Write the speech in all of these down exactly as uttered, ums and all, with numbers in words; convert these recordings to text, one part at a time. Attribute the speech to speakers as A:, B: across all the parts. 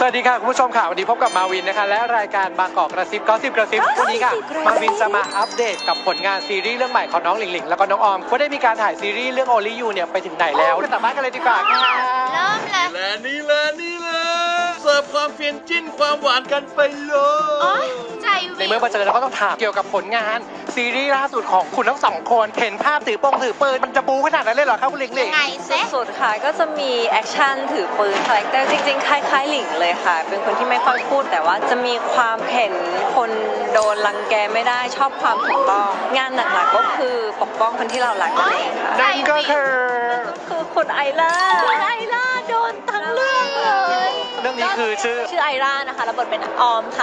A: วัสดีค่ะคุณผู้ชมค่ะวันนี้พบกับมาวินนะคะและรายการบางกอกกระซิบก็สิบกระซิบวันนี้ค่ะมาวินจะมาอัปเดตกับผลงานซีรีส์เรื่องใหม่ของน้องหลิงหลิงแล้วก็น้องออมว่าได้มีการถ่ายซีรีส์เรื่อง Only You เนี่ยไปถึงไหนแล้วไปสัมภาษณ์กันเลยดีกว่าค่ะ
B: เริ่มเลย
C: และนี่แหละนี่แหละเสิร์ฟความเฟียนจิ้นความหวานกันไปเล
B: โอ๊
C: ย
B: ยใจวิว
A: ในเมื่อมาเจอแล้วก็ต้องถามเกี่ยวกับผลงานซีรีส์ล่าสุดของคุณทั้งสองคนเห็นภาพถือปงถือปืนมันจะบูขนาดนั้นเลยเหรอครับคุณหลิงหลิ
B: ยัง งไงเซ่
D: สุดค่ะก็จะมีแอคชั่นถือปืนคาแรคเตอร์จริงๆคล้ายๆหลิงเลยค่ะเป็นคนที่ไม่ค่อยพูดแต่ว่าจะมีความเห็นคนโดนรังแกไม่ได้ชอบความถูกต้องงานหนักๆก็คือปกป้องคนที่เรารักนั่นเองค่ะ
A: นั่นก็คือ
D: คือคุณไอล่า
B: คุณไอล่าโดนทั้งเรื่องเลย
A: เรื่องนี้คือชื่อ
D: ชื่อไอล่านะคะรับบทเป็นออมค่ะ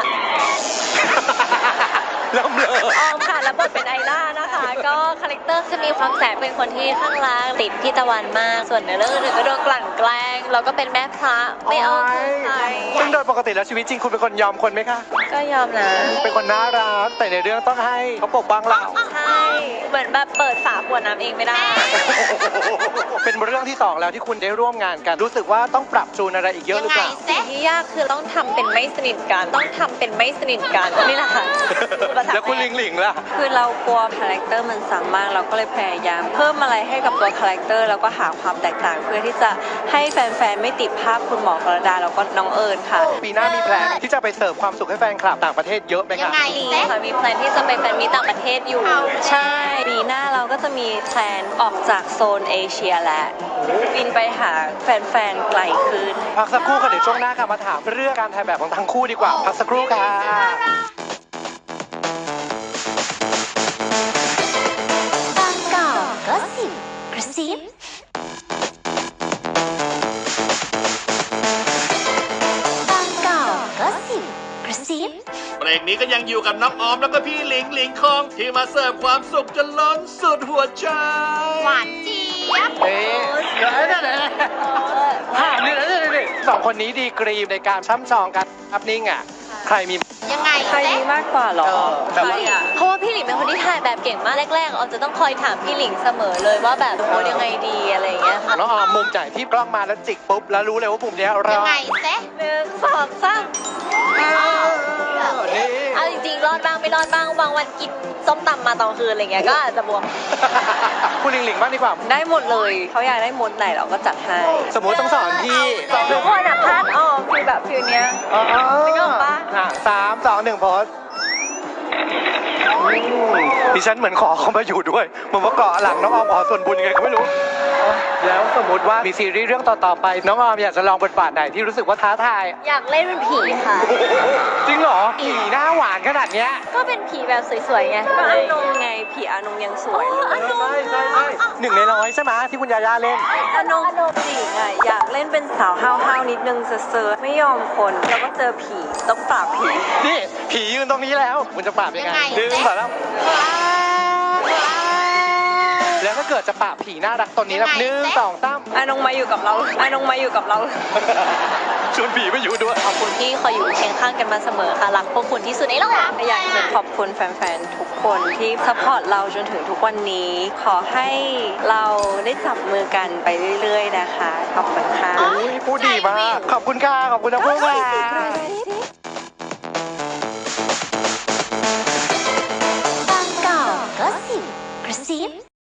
A: เริ่มเลย
D: ออมค่ะรับบทเป็นไอล่านะคะ ก็คาแรคเตอร์จะมีความแสบเป็นคนที่ข้างรักติดพี่ตะวันมากส่วนในเรื่องอื่นก็โดนกลั่นแกล้งแล้วก็เป็นแม่พระไม่เอาใคร
A: ซึ่งโดยปกติแล้วชีวิตจริงคุณเป็นคนยอมคนไหมคะ
D: ก็ยอมนะ
A: เป็นคนน่ารักแต่ในเรื่องต้องให้เขาปกป้องเรา
D: ใช่เหมือนแบบเปิดฝาขวดน้ำเองไม่ได้
A: เป็นเรื่องที่สองแล้วที่คุณได้ร่วมงานกัน รู้สึกว่าต้องปรับจูนอะไรอีกเยอะหรือเปล่า
B: ยังไงเซ่
D: ที่ยากคือต้องทำเป็นไม่สนิทกัน ต้องทำเป็นไม่สนิทกันนี่แหละค่ะภาษา
A: แล้วคุณลิงหลิงล่ะ
D: คือเรากลัวคาแรคเตอร์มันซ้ำมากเราก็เลยพยายาม เพิ่มอะไรให้กับตัวคาแรคเตอร์แล้วก็หาความแตกต่างเพื่อที่จะให้แฟนๆไม่ติดภาพคุณหมอกรดาแล้วก็น้องเอิญค่ะ
A: ปีหน้ามีแพลนที่จะไปเสิร์ฟความสุขให้แฟนคลับต่างประเทศเยอะไหม
B: ยั
A: คะ
B: งไง
D: มี
B: เซ่
D: ค่ะมีแพลนที่จะไปแฟนมีตต่างประเทศอยู่
B: เอา
D: ใช่ปีหน้าเราก็จะมีแพลนออกจากโซนเอเชียแล้วบินไปหาแฟนๆไกลขึ้น
A: พักสักครู่ค่ะเดี๋ยวช่วงหน้าค่ะมาถามเรื่องการถ่ายแบบของทั้งคู่ดีกว่า พักสักครู่ค่ะ
B: บางกอกก็สิบกระซิบบบางกอกก็สิบกระซิบ
C: เบรกนี้ก็ยังอยู่กับน้องออมแล้วก็พี่หลิงหลิงคองที่มาเสิร์ฟความสุขจนล้นสุดหัวใจ
B: หวานเจี๊ยบ
A: เอ๊ะเดี๋ยวนะเดี๋ยวนะถามนี่นะนี่สองคนนี้ดีกรีในการช่ำชองกันอัพนิ่งอ่ะ ใครมี
B: ยังไง
D: ใคร
B: เซ่
D: ดีมากกว่าหรอ
A: เออแบบ
D: ใคร
A: ว่า
D: อ่ะเพราะว่าพี่หลิงเป็นคนที่ถ่ายแบบเก่งมากแรกๆออมจะต้องคอยถามพี่หลิงเสมอเลยว่าแบบโพสยังไงดีอะไรอย่างเงี้ยค่ะ
A: น้องออมมุมจ่ายที่กล้องมาแล้วจิกปุ๊บแล้วรู้เลยว่ามุมเนี้ยเรา
B: ยังไงเซ่
D: หนึ่งสองสาม
A: นี่
D: เอาจริงๆรอดบ้างไม่รอดบ้างบางวันกินส้มตำมาตอนคืนอะไรเงี้ยก็อาจจะบวม
A: คุณลิงหลิงบ้างดีกว่า
D: ได้หมดเลยเขาอยากได้มดไหนเราก็จัดให้
A: สมมุติต้องสอนพี่สอง
D: ทุกคนอ่ะพลาดออมฟีลแบบฟิลเนี้ย
A: อ๋อ
D: นึกออกปะ
A: อ่ะสามสองหนึ่งโพสดิฉันเหมือนขอเขามาอยู่ด้วยเหมือนว่าเกาะหลังน้องออมขอส่วนบุญยังไงก็ไม่รู้ แล้วสมมติว่ามีซีรีส์เรื่องต่อๆไป น้องออมอยากจะลองบทบาทไหนที่รู้สึกว่าท้าทาย
D: อยากเล่นเป็นผีค่ะ
A: จริงเหรอผีหน้าหวานขนาดเนี้ย
D: ก็เป็นผีแบบสวยๆไงก็อานงไงผีอานงยังสวยเลย
A: ใช่ใช่ใช่หนึ่งในร้อยใช่ไหมที่คุณยาย่าเล่น
D: อานงจริงอ่ะอยากเล่นเป็นสาวห้าวๆนิดนึงเซอร์ๆไม่ยอมคนแล้วก็เจอผีต้องปราบผี
A: นี่ผียืนตรงนี้แล้วคุณจะปราบยังไง
B: ยังไง
A: ดึง
B: เจ๊
A: ก่อนแล้วแล้วถ้าเกิดจะปราบผีน่ารักตนนี้แล้ว
B: ยังไง
A: หนึ่ง
B: เจ๊
A: สองสาม
D: อานงมาอยู่กับเราอานงมาอยู่กับเรา
A: ชวนผีมาอยู่ด้วย
D: ขอบคุณที่คอยอยู่เคียงข้างกันมาเสมอค่ะรักพวกคุณที่สุดในโลกอยากจะขอบคุณแฟนๆทุกคนที่ซัพพอร์ตเราจนถึงทุกวันนี้ ขอให้เราได้จับมือกันไปเรื่อยๆนะคะขอบคุณค่ะ
A: อุ๊ยพูดดีมาก ขอบคุณค่ะ ขอบคุณทั้งคู่ค่ะ
B: บางกอกก็สิบกระซิบ